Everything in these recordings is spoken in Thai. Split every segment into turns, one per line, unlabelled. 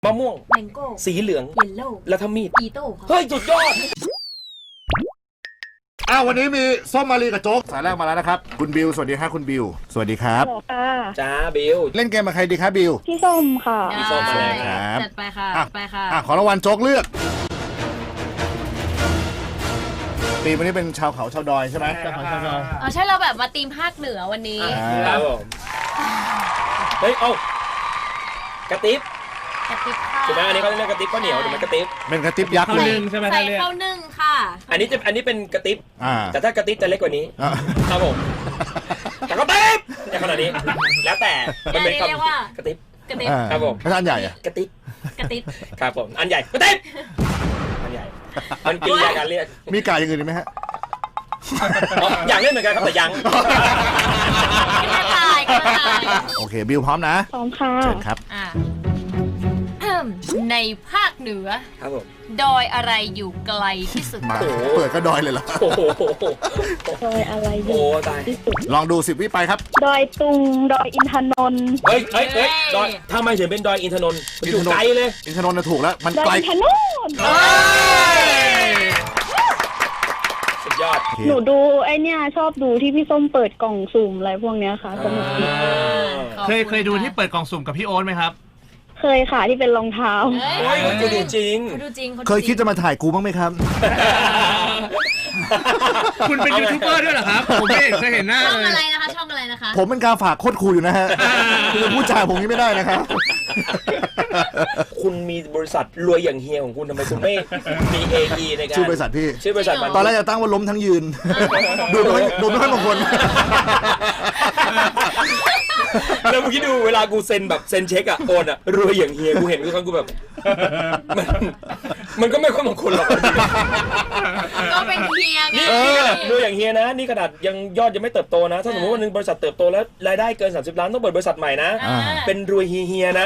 มะม่วง
แมงโก้
สีเหลือง
เยลโล่
แล้วถ้ามีด
อีโต้ครับ
เฮ้ยสุดยอด
วันนี้มีส้มมารีกับโจ๊กสายแรกมาแล้วนะครับคุณบิวสวัสดีครับคุณบิวสวัสดีครับ
จ้าบิว
เล่นเกมกับใครดีครับบิว
พี่ส้มค่ะ
พี่ส้มมาเลย
ครับ
จัดไปค่ะไปค่ะ
ขอรางวัลโจ๊กเลือกปีวันนี้เป็นชาวเขาชาวดอยใช่ไหมชาวเขาชาวดอย
ใช่เราแบบมาตีมภาคเหนือวันนี้
ครับผมเฮ้ยกระติบใช่ไหมอันนี้เขาเรียกกระติบข้าวเหนียวหรือมันกระติบ
เป็นกระติบยักษ์เลย
ใช่ไหมใส่ข้าวนึ่งค่ะ
อันนี้เป็นกระติบแต่ถ้ากระติบจะเล็กกว่านี้ครับผมแต่กระติบอย่างขนาดนี้แล้วแต่มันเป็นคำว่ากระติบครับผม
ไม่ใช่อันใหญ่อะ
กระติบครับผมอันใหญ่กระติบอันใหญ่มันกินยาการเรียก
มีไก่อย่างอื่นไหมฮะ
อยากเล่นเหมือนกันครับแต่ยัง
โอเคบิวพร้อมนะ
พร้อมค่ะ
เชิญครับ
ในภาคเหนือ
ครับผม
ดอยอะไรอยู่ไกลที่สุด
มาเปิดก็ดอยเลยเหรอ
ดอยอะไรอยู่ที่สุด
ลองดู10 วิไปครับ
ดอยตุงดอยอินทนนท์
เฮ้ยดอยถ้าไม่ถึงเป็นดอยอินทนนท์อยู่ไกลเลย
อินทนนท์ถูกแล้วมันไกล
อินทนนท์
สุดยอด
หนูดูไอเนี้ยชอบดูที่พี่ส้มเปิดกล่องสุ่มอะไรพวกเนี้ยค่ะสนุกดี
เคยดูที่เปิดกล่องสุ่มกับพี่โอ๊ตไหมครับ
เคยค่ะที่เป็นรองเท้า
โอ้ยกูดูจริง
เคยคิดจะมาถ่ายกูบ้างไหมครับ
คุณเป็นยูทูบเบอร์ด้วยเหรอครับผมไม่เคยเห็นหน้าเลย
ช่องอะไรนะคะ
ผมเป็นการฝากโคตรคูลอยู่นะฮะคือพูดจาผมนี้ไม่ได้นะครับ
คุณมีบริษัทรวยอย่างเฮียของคุณทำไมคุณไม่มี AE ในการ
ชื่อบริษัทพี่
ชื่อบริษัท
ตอนแรกจะตั้งว่าล้มทั้งยืนดูไม่ค่อยมงคล
แล้วเมื่อกี้ดูเวลากูเซ็นแบบเซ็นเช็คอะโอนอะรวยอย่างเฮียกูเห็นทุกครั้งกูแบบมันก็ไม่ค่อยมงคลหรอก
ก็เป็นเฮียไง
นี่รวยอย่างเฮียนะนี่ขนาดยังยอดยังไม่เติบโตนะถ้าสมมติวันนึงบริษัทเติบโตแล้วรายได้เกิน30 ล้านต้องเปิดบริษัทใหม่นะเป็นรวยเฮียนะ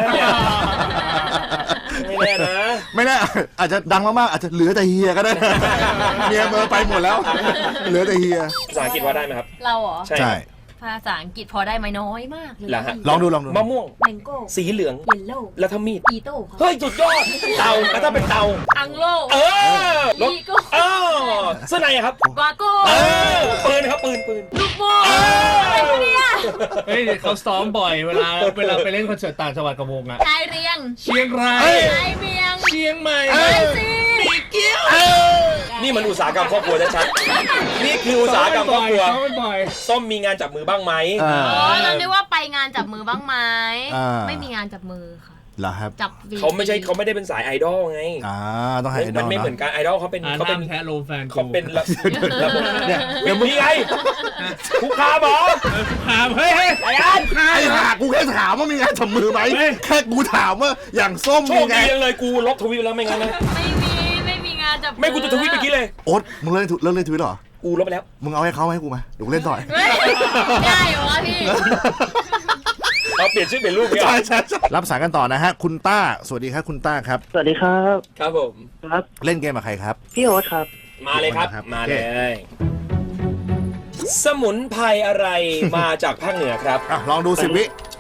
ไม่แน่นะ
ไม่แน่อาจจะดังมากๆอาจจะเหลือแต่เฮียก็ได้เมียเมอไปหมดแล้วเหลือแต่เฮีย
ภาษาอังกฤษว่าได้ไหมครับ
เราเหรอ
ใช่
ภาษาอังกฤษพอได้ไหมน้อยมากเลย
ลองดู
มะม่วง
แมงโก้
สีเหลือง
เยลโล่
แล้วถ้ามีด
อีโต้
เฮ้ยสุดยอดเตาแล้วถ้าเป็นเตา
อังโล
อีโก้เสื้อในครับ
กวาโก้
ปืนครับปืน
ลูกโม่อะไรเนี่ย
เฮ้ยเขาซ้อมบ่อยเวลาไปเล่นคอนเสิร์ตต่างจังหวัดกับวงอะ
ชายเรียง
เชียงราย
ชายเมียง
เชียงใหม่
มีเกี้ยว
นี่มันอุตสาหกรรมครอบครัวชัดๆนี่คืออุตสาหกรรมครอบครัวส้มมีงานจับมือบ้างไหม
เราเรียกว่าไปงานจับมือบ้างไหมไม่มีงานจับมือค่ะ
เหรอครับ
จับ
เขาไม่ได้เป็นสายไอดอลไง
ต้องให้ไอดอล
มันไม่เหมือนกันไอดอลเขาเป็น
แพ้โลแฟน
เขาเป็นระบบ
เนี่ย
มีไงคุกคามเหรอ
คุกคามเฮ้ย
ไอ้อัน
ไอ้ห่ากูแค่ถามว่ามีงานจับมือไหมแค่กูถามว่าอย่างส้ม
มีไงเลยกูลบทวิตแล้วไม่งั้นนะ
ไม่มีงานจับ
ไม่กูจะทวิตเมื่อกี้เลย
โอ๊ตมึงเลิกเล่นทวิตหรอ
กูลบไปแล้ว
มึงเอาให้เขาให้กูมาเดี๋ยวกูเล่นต่อ
ได้เหรอพี่
เราเปลี่ยนชื่อเป็นรูป
ใช่รับสายกันต่อนะฮะคุณต้าสวัสดีครับคุณต้าครับ
สวัสดีครับ
ครับผม
ครับ
เล่นเกมกับใครครับ
พี่โอ๊ตครับ
มาเลยครับมาเลยสมุนไพรอะไรมาจากภาคเหนือครับ
ลองดู10 วิ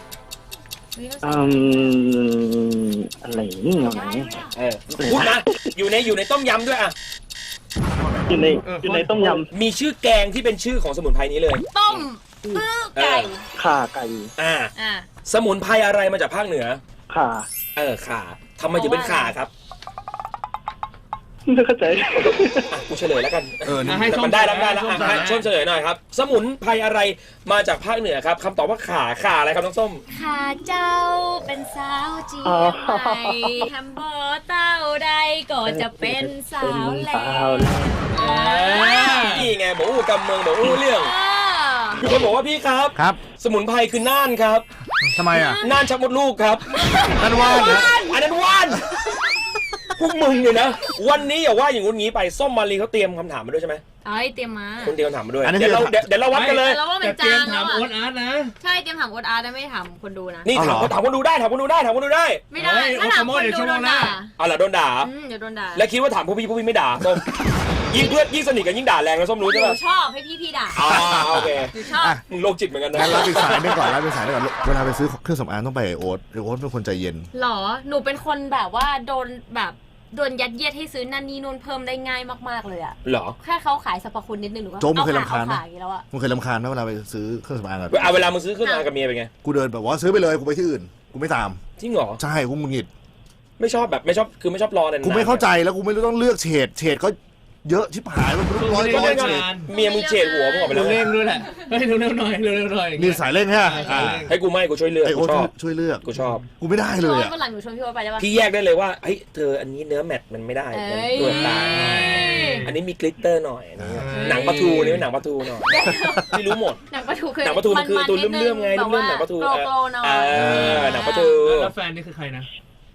อะไรนี่เอาไหน
พูดนะอยู่ในต้มยำด้วยอ่ะ
อยู่ในต้มย
ำมีชื่อแกงที่เป็นชื่อของสมุนไพรนี้เลย
ต้มไก่
ข่าไก่
สมุนไพรอะไรมาจากภาคเหนือ
ข่า
ข่าทำไมถึงเป็นข่าครับ
ไม่เข้าใจ
กูเฉลยแล้วกันมันได้แล้วช่วยเฉลยหน่อยครับสมุนไพรอะไรมาจากภาคเหนือครับคำตอบว่าข่าอะไรครับน้องส้ม
ข่าเจ้าเป็นสาวจีนใหม่ทำบ่อเต้าใดก็จะเป็นสาวแหล่
นี่ไงบอกกำเมืองบอกเรื่องมีคนบอกว่าพี่ครับสมุนไพรคือน่านครับ
ทำไมอ่ะ
น่านชักมดลูกครับ
นั่นว่าน
อันนั้นว่านพวกมึงเนี่ยนะวันนี้อย่าว่าอย่างงี้ไปส้มมารีเขาเตรียมคำถามมาด้วยใช่ไหม
เตรียมมา
คุณเตรียมคำถามมาด้วยเดี๋ยวเราวัดกันเลย
แต่เตรียมถามโอ๊ตอาร์ตนะ
ใช่เตรียมถามโอ๊ตอาร์ตไม่ถามคนดูนะ
นี่ถามคนดูได้ไม่ได้
ถ้าถามคนดูโดนด่า
เอาล่ะโดนด่า
เดี๋ยวโดนด่า
แล้วคิดว่าถามพวกพี่ไม่ด่าส้มยิ่งเพื่อนยิ่งสนิทกันยิ่งด่าแรงนะส้มรู้
ห
ใช่
นู
ปะ
ชอบให้พี่ด่า
อ๋อโอเค
หนูชอบ
มึงโรคจิตเหมือนกันนะ
งั้นรับอีกสายหนึงก่อนเวลาไปซื้อเครื่องสำอางต้องไปโอ๊ตเป็นคนใจเย็น
หรอหนูเป็นคนแบบว่าโดนยัดเยียดให้ซื้อนั่นนี่นู่นเพิ่มได้ง่ายมากๆเลยอะ
เหรอ
แค่เขาขายสรรพคุณนิดนึงหนูก็
โจ๊กมึงเคย
อ
รำคาญไหม
ขายแล้วอะ
มึงเคยรำคาญไหมเวลาไปซื้อเครื่องสำอางอะ
เวลามึงซื้อเครื่องสำอางกับเมียเป็นไง
กูเดินแบบว่าซื้อไปเลยกูไปที่อื่นกูไม่ตาม
จริงเหรอ
ใช่กูหงุดหงิด
ไม่ชอบแบบไม่ชอบคือไม่ชอบรอนานๆ
กูไม่เข้าใจแล้วกูไม่รู้ต้องเลือกเฉดก็เยอะชิบหายมันร้อย
ก็
เฉ
เล่
ด
นงาน
เมียมึงเฉดหัวมึงออกไปแล้ว
เร่งด้วยแหละเฮ้ยเร็วๆหน่อยเร็วๆหน่อย
มีสายเร่งฮะ
ให้กูไม่กูช่วยเลือก
ไอ
กู
โอ๊ต
ชอบ
ช่วยเลือก
กูชอบ
กูไม่ได้เลย
โอ๊ต
อะ
วันหลังหนูชวนพี่โอ๊ตไปได้ปะ
พี่แยกได้เลยว่าเฮ้ยเธออันนี้เนื้อแมตต์มันไม่ได้
เอ้ย
ตัวตาอันนี้มีกลิตเตอร์หน่อยนะหนังปลาทูนี่หนังปลาทูหน่อยพี่รู้หมด
หนังปลาทูคือ
หนังปลาทูมันคือตัวเลื่อมๆไง
แบบ
เลื่อ
ว่าม
ๆหนังปลาทู
โกลๆหน่อย
หนังปลาทู
แล้วแฟนนี่คือใครนะ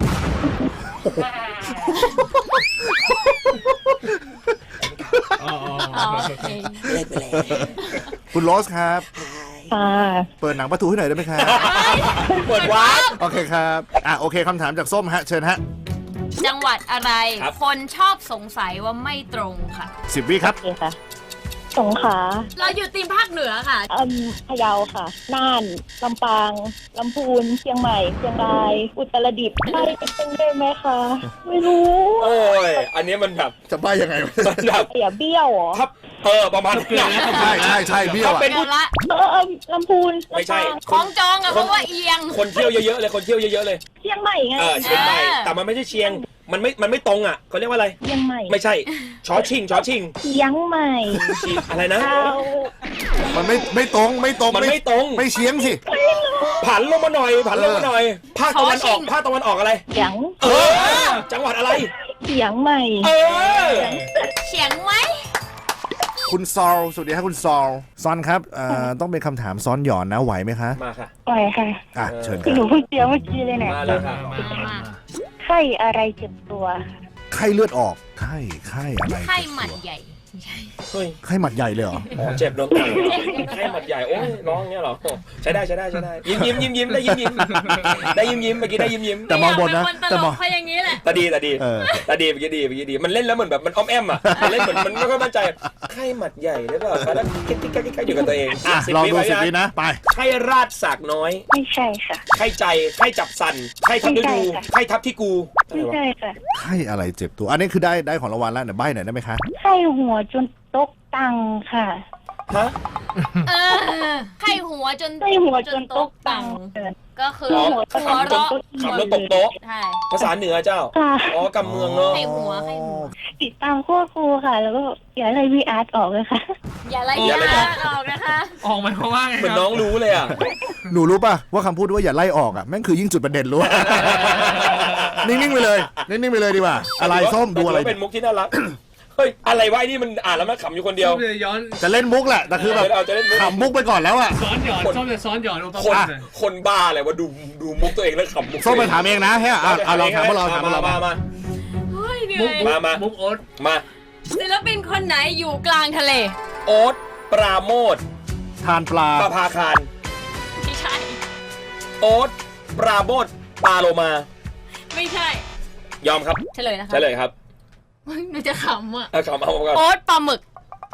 อ๋อ
อ๋อโอเค
เล่นไปแล้ว
คุณโรสครับ
ค่ะ
เปิดหนังประตูให้หน่อยได้ไหมครับ
เปิดวาร์ป
โอเคครับโอเคคำถามจากส้มฮะเชิญฮะ
จังหวัดอะไร
ครับ
คนชอบสงสัยว่าไม่ตรงค่ะ
10 วิครับ
โอเคค่ะสงขลา
เราอยู่ตีมภาคเหนือค่ะ
พะเยาค่ะ น่าน ลำปาง ลำพูน เชียงใหม่ เชียงราย อุตรดิตถ์ใช่เป็นได้ไหมคะ ไม่รู้
โอ้ยอันนี้มันแบบ
จะบ้ายังไง
มันแบบ
เสียเบี้ยวเหรอ
ทับประมาณนี้
ใช่เบี้ยว
ถ้า
อะ
เป็น
เดี๋ยวละ
ลำพูน
ไม่ใช่
ลำปาง
คล้องจองอะเพราะว่าเอียง
คนเที่ยวเยอะๆเลยคนเที่ยวเยอะๆเลย
เชียงใหม่ไง
เชียงใหม่
เออ
แต่มันไม่ใช่เชียงมันไม่ตรงอ่ะเขาเรียกว่าอะไร
เชียงใหม่
ไม่ใช่ชอชิง
เชียงใหม่
อะไรนะ
เอา
มันไม่ตรง
มันไม่ตรง
ไม่เฉียงสิ
ผันลงมาหน่อยภาคตะวันออกอะไร
เชียง
จังหวัดอะไร
เชียงใหม่
เฉียงไหม
คุณซอลสวัสดีครับคุณซอลซอนครับต้องเป็นคำถามซ้อนหย่อนนะไหวไหมคะ
มาค่ะ
ปล่อยค่ะ
เชิญค
คือ
รับ
หนูเพิ่งเจอเมื่อกี้เลยเนี่ย
มาแล้วค่ะ
ไข้อะไรเจ็บตัว
ไข้เลือดออกไข้อะไร
ไข้หมัดใหญ่ไม่ใช่
เฮ้ย
ไข้หมัดใหญ่เลยเหรอ
เจ็บโดนต่อยไข้หมัดใหญ่โอ้ยร้องเงี้ยเหรอใช้ได้ยิ้มได้ยิ้มได้ยิ้มเมื่อกี้ได้ยิ้ม
แต่มองบนนะ
แต่
แต่
ม
ม
อ
อง ง
เขาอย่างนี้แหละ
ตาดี
เ
เมื่อกี้ดีมันเล่นแล้วเหมือนแบบมันอ้อมแอมอ่ะมันเล่นเหมือนมันไม่ค่อยมั่นใจไข้หมัดใหญ่หรือเปล่าแล้วกิ๊กอยู่กับตัวเอง
ลองดู10 วินะไป
ไข้ราดสากน้อย
ไม่ใช่ค่ะ
ไข้ใจไข้จับสันไข้ทับฤดูไข้ทับที่กู
ไม่ใช่ค่ะ
ไข้อะไรเจ็บตัว อันนี้คือได้ของรางวัลแล้วเนี่ยใบ้หน่อยได้ไหมคะ
ไข้หัวจนตกตังค่ะ
ฮะ
ไข้หัวจน
ไข้หัวจนตกตัง
ก็คือ
หัว
ขำแล้วตกโต๊ะ
ใช่
ภาษาเหนือเจ้า
ค่ะ
กำเมืองเนาะ
ไข้หัว
ติดตามขั้วครูค่ะ แล้วก็อย่าไล่พี่อาร์ตออกเลยค่ะ
อย่าไล่ยาออกนะคะ
ออกหมายความว่าไง
เหมือน
ครับ
น้องรู้เลยอ่ะ
หนูรู้ป่ะว่าคำพูดว่าอย่าไล่ออกอ่ะแม่งคือยิ่งจุดประเด็นรู้ นิ่งๆไปเลยดีกว่า อะไรส้มดูอะไร
เป็นมุกที่น่ารัก เฮ้ยอะไรวะไอ้นี่มันอ่านแล้วมันขำอยู่คนเดียว
ชอบจะย้อน
จะเล่นมุกแหละแต่คือแบบ
จะเล่นมุก
ขำมุกไปก่อนแล้วอ่ะ
ซ้อนหย่อนชอบจะซ้อนหย่อนโอป
คน
ป้า
คนบ้าอะไรว่าดูมุกตัวเองแล้วขำมุก
ส้มไปถามเองนะแค่เอาลองถามพวกเราถามพวกเรา
มา
เฮ้ยเหนื่
มุ
อก ย
มา
มุกโอ๊ต
มา
ศิลปินคนไหนอยู่กลางทะเล
โอ๊ตปราโมท
ทานปลา
ประภาคาร
ไม่ใช่
โอ๊ตปราโมทปาโลมา
ไม่ใช่
ยอมครับ
เฉลยนะคะ
ใช่เลยครับ
เฮ้ยหนูจะขำอ่ะ
เอาก่อน
โอ๊ตปลาหมึก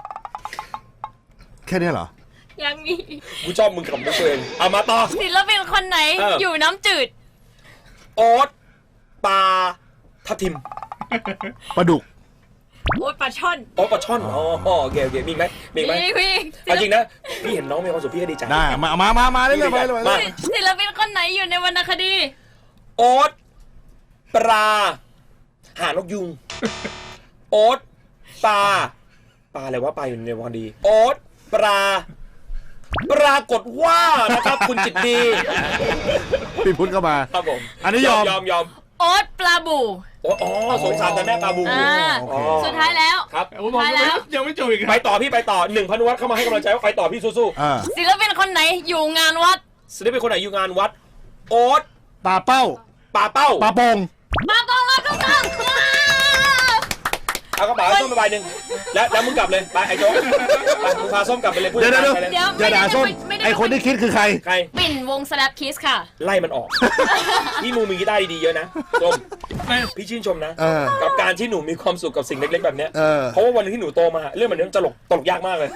แค่นี้เหรอ
ยังมี
กูชอบมึงขำมุกตัวเองเอามาต่อ
ศิลปินคนไหนอยู่น้ำจืด
โอ๊ตปลาทับทิม
ปลาดุก
โอ๊ตปลาช่อน
โอ๊ตปลาช่อนโอเคมีไหม
พี่
เอาจริงนะพี่เห็นน้องมีความสุขพี่ก็ดีใจ
ได้มาเรื่อยๆไปเลย
มา
ศิลปินคนไหนอยู่ในวรรณคดี
โอ๊ตปลาหานกยุง โอ๊ตปลาอะไรวะปลาอยู่ในวันดี โอ๊ตปรากฏว่านะครับคุณจิตดี
พี่พุทธเข้ามา
ครับผม
อันนี้ยอม
โอ๊ตปลาบู
อ๋อสงสารแต่แม่ปลาบู
โอเค
สุดท้ายแล้ว
ครับ
ผมบอกยังไม่จบอีกค
ไป
รับ
ต่อพี่ไปต่อ1 พนุวัฒน์เข้ามาให้กำลังใจว่าไปต่อพี่สู้
ศิลปินคนไหนอยู่งานวัด
ๆศิลปินคนไหนอยู่งานวัด โอ๊ต
ปลาเป้า
ปลาเป้า
ปลาโปง
มาตรงมาตรง
เอากระเป๋าให้ส้มไปใบหนึ่งแล้วมึงกลับเลยไปไอ้โจ๊กไปมึงพาส้มกลับไปเลยพูด
เดี๋ยว
ไปเลย
อย่าด่าส้ม
ไม่ได้
ไอคนที่คิดคือใคร
ใคร
ปิ่นวง Slap Kiss ค่ะ
ไล่มันออก นี่มึงมีกีตาร์ดีๆเยอะนะส้ม
ไม่
พี่ชื่นชมนะ
เออ
กับการที่หนูมีความสุขกับสิ่งเล็กๆแบบเนี้ย
เออ
เพราะว่าวันที่หนูโตมาเรื่องแบบนี้มันตลกยากมากเลย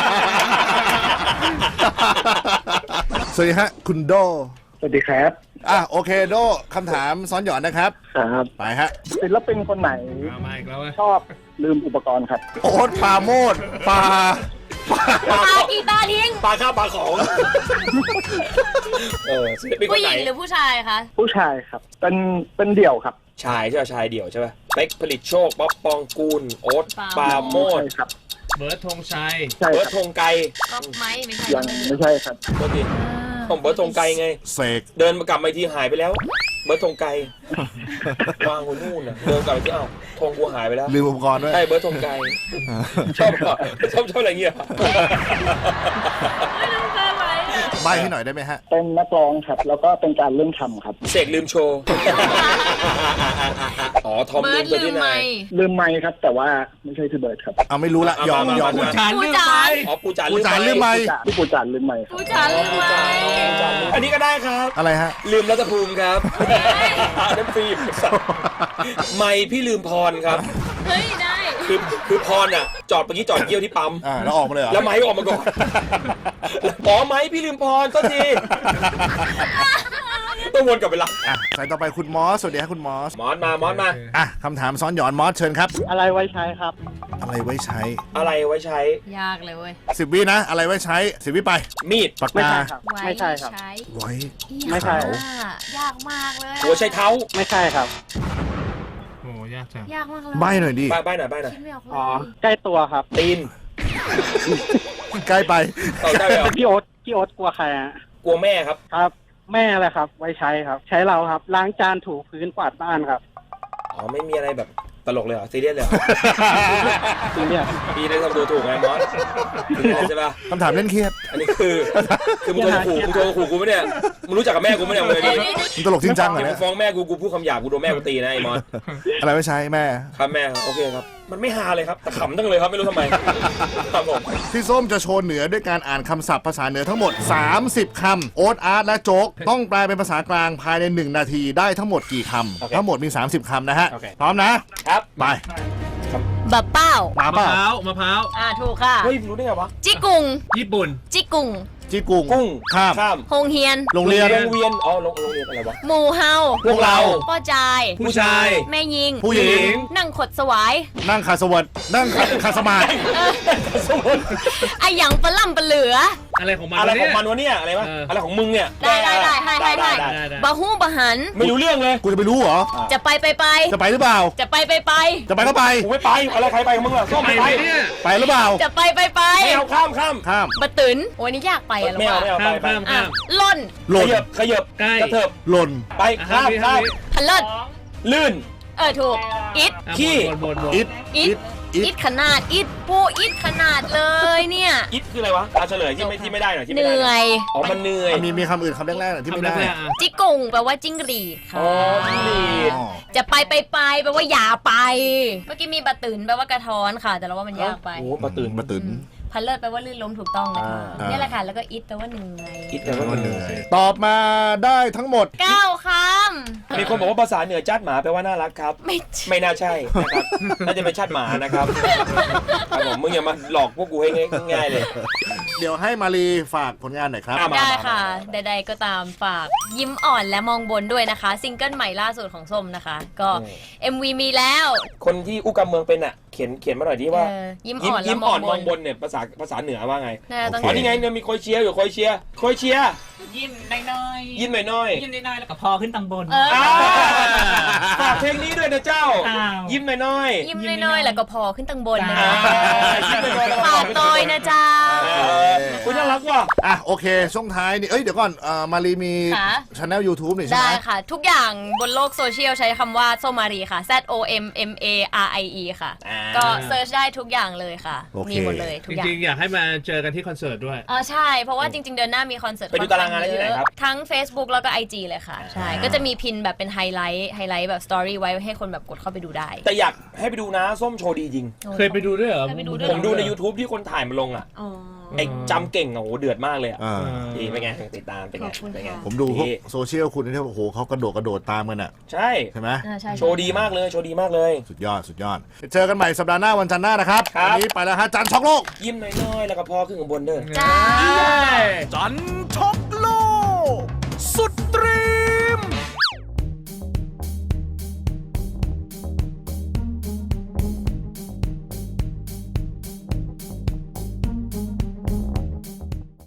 สวัสดีฮะคุณโด
สวัสดีครับ
โอเคโดคำถามซ้อนหย่อนนะครับ
ครับ
ไปฮะ
ศิลปินคนไหน
มาอีกแล้วเว้ย
ชอบลืมอุปกรณ์ครับ
โอ๊ตปราโมดปา
ปากีตาร์ทิ้ง
ปลาข้าวปลาของศิลปินค
ผู้
น
ห
ไหน
ญิงหรือผู้ชายคะ
ผู้ชายครับ เป็นเดี่ยวครับ
ชายใช่ไหมชายเดี่ยวใช่ไหมเป๊กผลิตโชคป๊อปปองกูลโอ๊ตปาโมด
ใช่ครับ
เบิร์ดธงชัย
ใช่
เบิ
ค
ร์ด
รับ
ธงไกล
ก็ไม่ใช่
ยังไม่ใช่ครับ
โทษทีผมเบิร์ดธงไกลไง
เสก
เดินมากลับมาอีกทีหายไปแล้ว เบิร์ดธงไกลวางไว้นู่นน่ะเดินกลับไปที่อ้าวธงกูหายไปแล้ว
ลืมอุปกรณ์ด้วย
ใช่เบิร์ดธงไกลชอบเหรอชอบอะไรเงี้ยเหรอ
ใบให้หน่อยได้ไหมฮะ
เป็นนักร้องครับ แล้วก็เป็นการเล่นคำครับ
เสกลืมโชว์อ๋อทอม
เบิ
ลื
ร์
ม
ด
ตัว
ลื
ที่
ม
ไห
ไห
น
ม
ลืมไมค์ครับ แต่ว่าไม่ใช่พี่เบิร์ดครับ
เอาไม่รู้ละยอม
ผู้จาน
ผู้
ลืม
จา
ไป
น
อ๋อปูจาน
ผู้จานลืมไหม
พี่ปูจานลืมไมค์ครับ
ผู้จานลืมไหม
อันนี้ก็ได้ครับ
อะไรฮะ
ลืมรัตภูมิครับน้ำฟิล์มไม่พี่ลืมพรครับ
เฮ้ยได้
คือพรอ่ะจอดเมื่อกี้จอดเยี่ยวที่ปั๊ม
แล้วออกมาเลยเหรอ
แล้วไม้ออกมาก่อนอ๋อไม้พี่ลืมพรก็ทีต้องวนกลับไปละ
สายต่อไปคุณมอส สวัสดีครับคุณมอส
มอสมา
คำถามซ้อนหย่อนมอสเชิญครับ
อะไรไว้ใช้ครับ
อะไรไว้ใช้
อะไรไว้ใช้
ยากเลยเว้ย
10 วินะ อะไรไว้ใช้10 วิไป
มีด
ปาก
ไม่
กา
ใช่ครับ ไม่ใช่ครับ
ไว้
ไม่ใช่
ยากมากเลย
หัวใช้เท้า
ไม่ใช่ครับ
โอ้ยากจัง
ยากมากเลย
ใบหน่อยดิ
บ้านหน่อย
คิดไม่ออกเลย
อ๋อ ใกล้ตัวครับ
ตีน
ใกล้ไป
เอาได้เหรอ
พี่โอ๊ตกลัวใครฮะ
กลัวแม่ครับ
ครับ แม่อะไรครับ ไว้ใช้ครับ ใช้เราครับ ล้างจานถูพื้นกวาดบ้านครับ
อ๋อไม่มีอะไรแบบตลกเลยเหรอซีเรียสเลยเหรอ
จริงเนี่ย
พี่ได้ทำตัวถูกไงมอสถึงแล้วใช่ปะ
คำถามเล่นเครียด
อันนี้คือมึงโทรขู่กูไหมเนี่ยมึงรู้จักกับแม่กูไหมเนี่ยมึงเลยดิ
มันตลกจริงจังเหรอ
กู
เนี่ย
ฟ้องแม่กูพูดคำหยาบกูโดนแม่กูตีนะไอ้มอส
อะไรไว้ใช้แม่
ครับแม่ครับโอเคครับมันไม่ฮาเลยครับแต่ขำตั้งเลยครับไม่รู้ทำไมครับผม
พี่ส้มจะโชว์เหนือด้วยการอ่านคำศัพท์ภาษาเหนือทั้งหมด 30 คำโอ๊ตอาร์ตและโจ๊กต้องแปลเป็นภาษากลางภายใน 1 นาทีได้ทั้งหมดกี่คำทั้งหมดมี 30 คำนะฮะ พร้อมนะครับ ไป
บะเป้า
มา
มะ
เปล่า
พร้าวมะพร้าว
ถูกค่ะ
เฮ้ยรู้ได้ไงวะ
จิกุง
ญี่ปุ่น
จิกุง
จีกุง
กุ้ง
ข้าม
ข้าม
โฮงเฮียน
โรงเรียน
โรงเรียนอ๋อโรงเรียนอะไรวะ
หมู่เฮา
พวกเรา
ป้อจาย
ผู้ชาย
แม่ยิง
ผู้หญิง
นั่งขดสวาย
นั่งคาสวัสดนั่งคาสมาธิ
ไอหยังปลาล่ำปลาเหลือ
อะไรของมัน
อะไรของ
วะ
มันวะเนี่ยอะไรวะ
เอออ
อะไรของมึงเนี่ย
ได้ให้
ได้
บะฮู้บะหัน
ไม่รู้เรื่องเลย
กูจะไปรู้เหรอ
จะไป
จะไปหรือเปล่า
จะไป
จะไปก็ไป
กูไม่ไปอะไรใครไปของมึงล่ะส้ม
ไป
ไม่
ไห
ไป
มเนี่ย
ไปหรือเปล่า
จะไป
ไม่เอาข้าม
ข้าม
บะตืนโอ้ยนี่ยากไปอะลูก
ไม่เอา
ว่า
ไม่เอาไป
ข้าม
ไป
ข้าม
อ่ะ
ข้าม
ล่น
หล่น
ขยับ
ใกล้
กระเถิบ
หล่น
ไปข้าม
ห้าวิ
พะเลิศ
ลื่น
ถูกอิด
อ่ะ
ขี้
บน
อิด
อิด
อิ
อิ
ด
ดขนาดอิดปูอิดขนาดเลยเนี่ย
อิดคืออะไรวะเอาเฉลยที่ไม่ได้หน่อยที่
เห
ไม่ได้
นื่อย
อ๋อมันเหนื่อย
มีคำอื่นคำแรกๆหน่อยที่ไม่
ทำ
ได้
แรกๆอ่ะ
จิกุงแปลว่าจิ้งหรีดค่ะ
อ๋อจิ้งหรีด
อ๋อ
จะไปแปลว่าอย่าไป เมื่อกี้มีบะตืนแปลว่ากระท้อนค่ะ แต่เราว่ามันยากไป
โอ้ปะตื่น
มาตื่น
พันเลิศแปลว่าลื่นล้มถูกต้องนะคะ
อ่า
เนี่ยแหละค่ะ แล้วก็อิดแปลว่าเหนื่อย
อิดแปลว่ามันเหนื่อย
ตอบมาได้ทั้งหมด
9 ค
มีคนบอกว่าภาษาเหนือจ้าดหมาแปลว่าน่ารักครับ
ำไม่
ไม่น่าใช่นะครับ น่าจะเป็นชาติหมานะครับครับผมมึงอย่ามาหลอกพวกกูให้ง่ายๆเลย
เดี๋ยวให้มารีฝากผลงานหน่อยครับ
อ่ะ
ได้ค่ะ ใดๆก็ตามฝากยิ้มอ่อนและมองบนด้วยนะคะ ซิงเกิลใหม่ล่าสุดของส้มนะคะ ก็ MV มีแล้ว
คนที่อู้กำเมืองเป็นอ่ะเขียนมาหน่อยดิว่า
ยิ้มอ่อนและ
ยิ้ม
ม
อ่
อ
อง น
บ
มอง
น
บนเนี่ยภาษาเหนือว่าไง
น่าจะต้อง
อ๋อนี่ไงเนี่ยมีโคยเชียร์อยู่โคยเชียร์
ยิ้มน้อยๆ
ยิ้มหน่อย
ยิ้มน้อยๆแล้วก็พอขึ้นตังบน
ๆฝากเพลงนี้ด้วยนะเจ้า
อ้าว
ยิ้มหน่อย
ยิ้มน้อยๆแล้วก็พอขึ้นตังบนนะ
อ่า
คะ
ยิ้มน้อยๆแล้วก็พอ
ฝาก
ขึ้น
ต
ตังบน
อยนะเจ้า
อคุณน่ารักว่ะ
อ่ะโอเคช่วงท้ายนี่เดี๋ยวก่อนมารีมี
ค่ะ
ช anel YouTube นี่ใช่ไห
ได้
ม
ค่ะ ทุกอย่างบนโลกโซเชียลใช้คำว่าส้มมารีค่ะ ZOMMARIE ค่ะ ก็เซิร์ชได้ทุกอย่างเลยค่ะ
โอเค
มีหมดเลยทุกอย่าง
จริงๆ อยากให้มาเจอกันที่คอนเสิร์ตด้วย
อ๋อใช่ เพราะว่าจริง ๆ เดือนหน้ามีคอนเสิร์ต
ไปดูตารางงานได้ที่ไหนครับ
ทั้ง Facebook แล้วก็ IG เลยค่ะ ใช่ ก็จะมีพินแบบเป็นไฮไลท์แบบสตอรี่ไว้ให้คนแบบกดเข้าไปดูได้
แต่อยากให้ไปดูนะส้มโชว์ดีจริง
เคยไปดูด้วยเหรอ
เคยไปดูด้วย
ผมดูใน YouTube ที่คนถ่ายมาลงอ่ะ
อ๋อ
ไอ้จำเก่งอ่ะโหเดือดมากเลยอ่ะ
อ่า
ดีเป็นไงติดตามเป็นไง
ขอบคุณ
เป็นไง
ค่ะ
ผมดูพวกโซเชียลคุณที่โอ้โหเขากระโดดตามกันอ่ะ
ใช่
ใช่ไหม
ใช่
โชว์ดีมากเลยโชว์ดีมากเลย
สุดยอดเจอกันใหม่สัปดาห์หน้าวันจันทร์หน้านะครับ
ครับ
วันนี้ไปแล้วฮะจันทร์ช็อกโลก
ยิ้มน้อยๆแล้วก็พอขึ้นข้างบนเด้อ
จ้า
จัน